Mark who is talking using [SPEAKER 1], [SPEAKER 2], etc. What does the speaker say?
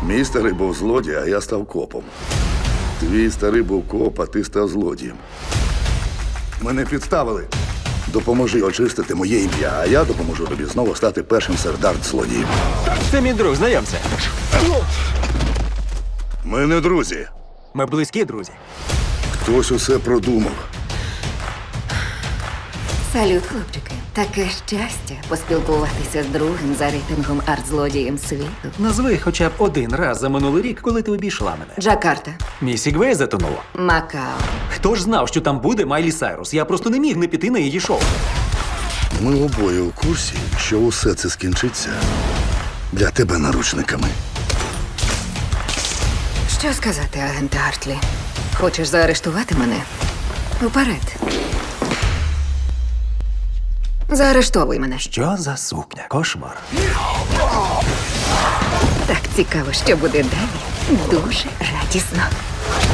[SPEAKER 1] Мій старий був злодій, а я став копом. Твій старий був коп, а ти став злодієм. Мене підставили. Допоможи очистити моє ім'я, а я допоможу тобі знову стати першим серед арт-злодіїв.
[SPEAKER 2] Це мій друг, знайомся.
[SPEAKER 1] Ми не друзі.
[SPEAKER 2] Ми близькі друзі.
[SPEAKER 1] Хтось усе продумав.
[SPEAKER 3] Салют, хлопчики. Таке щастя поспілкуватися з другим за рейтингом арт-злодієм світу.
[SPEAKER 2] Назви хоча б один раз за минулий рік, коли ти обійшла мене.
[SPEAKER 3] Джакарта,
[SPEAKER 2] Мій Сігвей затонула.
[SPEAKER 3] Макао.
[SPEAKER 2] Хто ж знав, що там буде Майлі Сайрус? Я просто не міг не піти на її шоу.
[SPEAKER 1] Ми обоє у курсі, що усе це скінчиться для тебе наручниками.
[SPEAKER 3] Що сказати, агенте Артлі? Хочеш заарештувати мене? Уперед. Заарештовуй мене.
[SPEAKER 2] Що за сукня? Кошмар.
[SPEAKER 3] Так цікаво, що буде далі. Дуже радісно.